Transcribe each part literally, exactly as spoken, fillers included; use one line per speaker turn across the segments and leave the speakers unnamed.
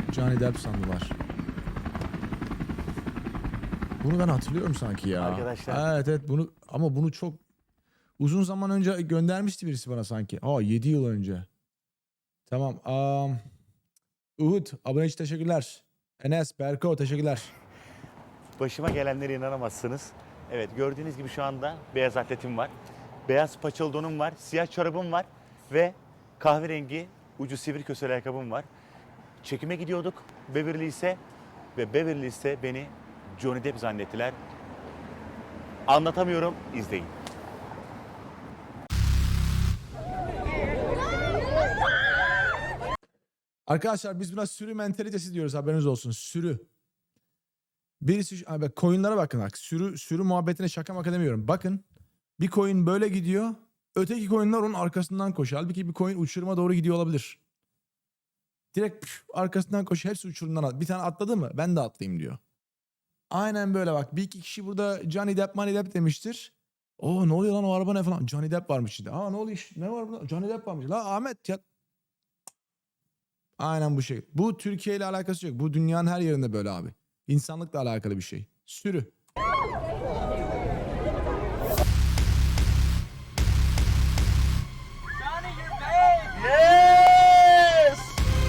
Johnny Depp sandılar. Bunu ben hatırlıyorum sanki ya.
Arkadaşlar.
Evet evet bunu ama bunu çok uzun zaman önce göndermişti birisi bana sanki. Aa yedi yıl önce. Tamam. Um, Uhud abone için teşekkürler. Enes, Berko teşekkürler.
Başıma gelenlere inanamazsınız. Evet, gördüğünüz gibi şu anda beyaz atletim var. Beyaz paçalı donum var, siyah çorabım var ve kahverengi ucu sivri kösel ayakkabım var. Çekime gidiyorduk Beverly Hills'e ve Beverly Hills'te beni Johnny Depp zannettiler. Anlatamıyorum, izleyin.
Arkadaşlar biz buna sürü mentalitesi diyoruz, haberiniz olsun. Sürü. Birisi abi koyunlara bakın bak. Sürü sürü muhabbetine şaka maka demiyorum. Bakın bir koyun böyle gidiyor. Öteki koyunlar onun arkasından koşuyor. Halbuki bir koyun uçuruma doğru gidiyor olabilir. Direkt püf, arkasından koşuyor. Hepsi uçurumdan at. Bir tane atladı mı? Ben de atlayayım diyor. Aynen böyle bak. Bir iki kişi burada Johnny Depp, Money Depp demiştir. Oo ne oluyor lan, o araba ne falan. Johnny Depp varmış içinde. Aa ne oluyor iş? Ne var burada? Johnny Depp varmış. La Ahmet ya. Aynen bu şey. Bu Türkiye ile alakası yok. Bu dünyanın her yerinde böyle abi. İnsanlıkla alakalı bir şey. Sürü.
Yes!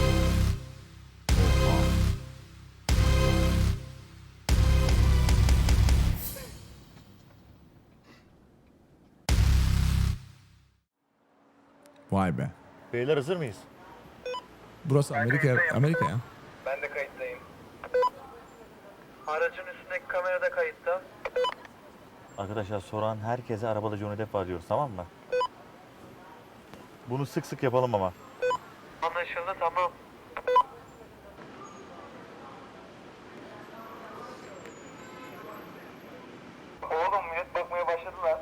Vay be.
Beyler hazır mıyız?
Burası Amerika, Amerika ya.
Ben de kayıttayım. Aracın üstündeki kamera da kayıtta.
Arkadaşlar soran herkese arabada Johnny Depp var diyoruz, tamam mı? Bunu sık sık yapalım ama.
Anlaşıldı, tamam. Oğlum millet bakmaya başladılar.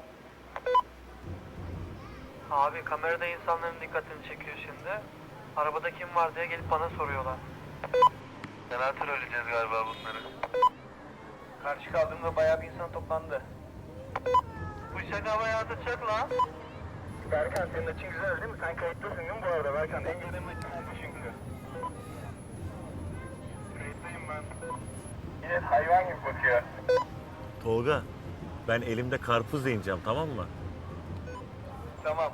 Abi kamerada insanların dikkatini çekiyor şimdi. Arabada kim var diye gelip bana soruyorlar. Senator öleceğiz galiba bunları. Karşı kaldığımda bayağı bir insan toplandı. Bu şaka bayağı atacak lan. Berkan senin açın güzel değil mi? Sen kayıttasın değil mi bu arada Berkan? Engellemek oldu çünkü. Kayıttayım ben. Yine hayvan gibi bakıyor.
Tolga, ben elimde karpuz yiyeceğim, tamam mı?
Tamam.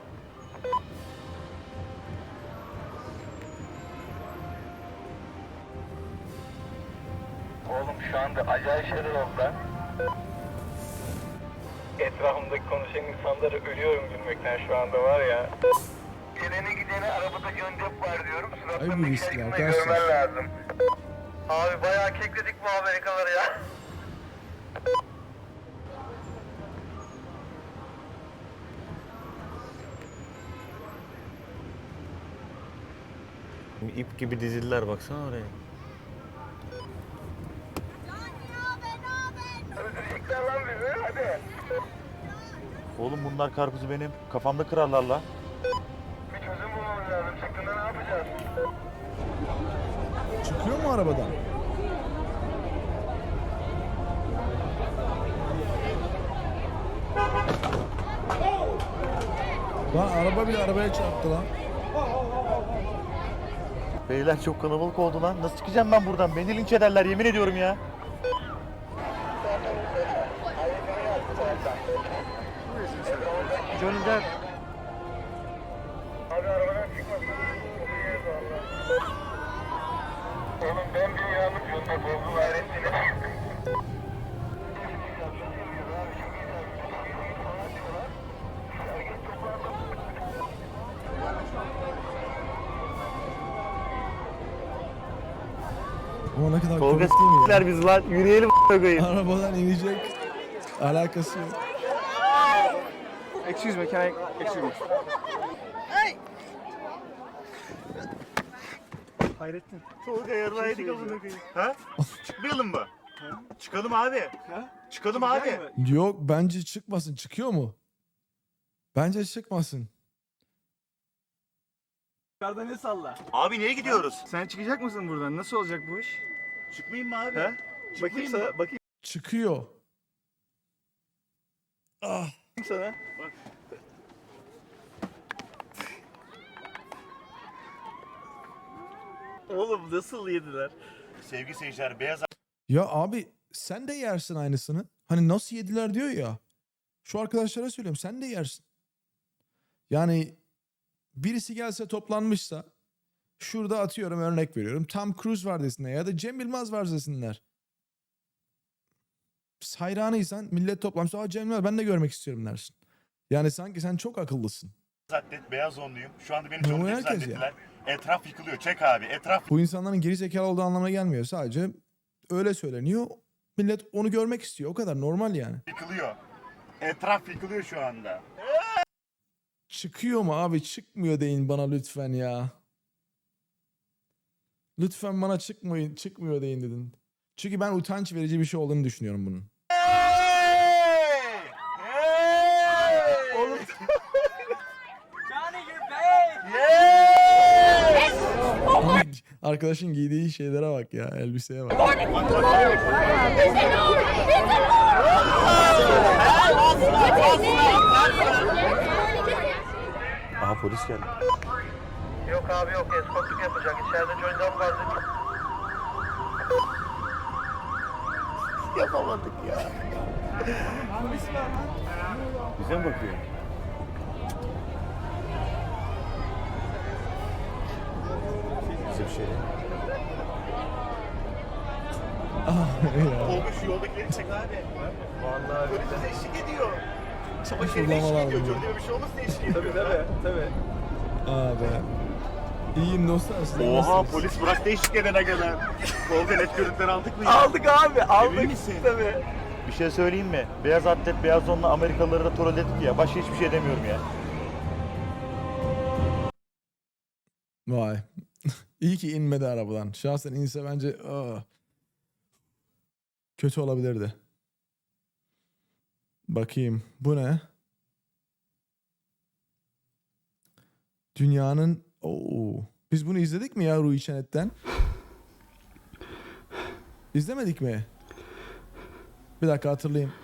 Oğlum şu anda acayip şeyler oldu lan. Etrafımdaki konuşan insanları ölüyorum gülmekten şu anda var ya. Gelene gidene arabada göndep var diyorum.
Ay bu
Suratlarındaki
riskli
şaşkınlığı
arkadaşlar.
görmen lazım. Abi bayağı kekledik bu Amerikalıları ya.
İp gibi dizildiler, baksana oraya.
Öldürecekler lan bizi hadi.
Oğlum bunlar karpuzu benim kafamda kırarlar la.
Bir çözüm bulmamız lazım. Çıktığında ne yapacağız?
Çıkıyor mu arabadan? Lan araba bile arabaya çarptı lan.
Beyler çok kalabalık oldu lan. Nasıl çıkacağım ben buradan? Beni linç ederler, yemin ediyorum ya.
Johnny Depp. Abi arabadan çıkmasın. Oluyoruz valla. Oğlum ben bir yanlış yolda bozdu gayretini.
Ama ne kadar
Tolga
komik değil mi ya?
s**ler biz lan. Yürüyelim a**ına koyayım.
Arabadan inecek. Alakası yok.
Excuse me, can I... Excuse me. Hayrettin.
Tolga yarraydık amına koyayım. Ha? Çıkmayalım mı? Çıkalım abi.
Ha?
Çıkalım abi.
Yok bence çıkmasın. Çıkıyor mu? Bence çıkmasın.
Yukarıda ne salla?
Abi niye gidiyoruz?
Sen çıkacak mısın buradan? Nasıl olacak bu iş?
Çıkmayayım mı abi?
He?
Çıkmayayım
Bakayım sana,
mı?
bakayım
Çıkıyor. Ah.
sana. Oğlum nasıl yediler?
Sevgili seyirciler, beyaz
Ya abi sen de yersin aynısını. Hani nasıl yediler diyor ya. Şu arkadaşlara söylüyorum sen de yersin. Yani birisi gelse toplanmışsa şurada atıyorum örnek veriyorum. Tom Cruise var desinler ya da Cem Yılmaz var desinler. Hayranıysan millet toplanmışsa aa Cem Yılmaz ben de görmek istiyorum dersin. Yani sanki sen çok akıllısın.
atlet, beyaz onluyum. Şu anda beni
Ne
Johnny
o
Depp
herkes ya?
zannettiler. Etraf yıkılıyor. Çek abi. Etraf
Bu insanların geri zekalı olduğu anlamına gelmiyor. Sadece öyle söyleniyor. Millet onu görmek istiyor. O kadar normal yani.
yıkılıyor. Etraf yıkılıyor şu anda.
Çıkıyor mu abi? Çıkmıyor deyin bana lütfen ya. Lütfen bana çıkmayın, çıkmıyor deyin dedin. Çünkü ben utanç verici bir şey olduğunu düşünüyorum bunun.
Oğlum.
Johnny you're back!
Ama arkadaşın giydiği şeylere bak ya, elbiseye bak.
Aha polis geldi.
Yok abi yok, eskortluk yapacak. İçeride Johnny'den vardı.
Yapamadık ya. Bize mi bakıyor? Bize bir şey değil.
ya.
Olmuş şu yoldakileri çek abi. Vallahi polis bize eşlik ediyor. Çaba şeride
Uygulamalar
eşlik ediyor.
bunlar.
Johnny'e bir şey olursa eşlik ediyor.
Tabii tabii tabii.
Abi. İyiyim dostlar. Siz
Oha
nasılsınız?
polis bıraktı eşlik edene kadar. Tolga net görüntüleri aldık mı ya?
Aldık abi aldık.
misin?
Tabii.
Bir şey söyleyeyim mi? Beyaz atlet, beyaz donla Amerikalıları da troll ettik ya. Başka hiçbir şey demiyorum ya.
Vay. İyi ki inmedi arabadan. Şahsen inse bence aa, kötü olabilirdi. Bakayım. Bu ne? Dünyanın... Oo. Biz bunu izledik mi ya Ruhi Çenet'ten? İzlemedik mi? Bir dakika hatırlayayım.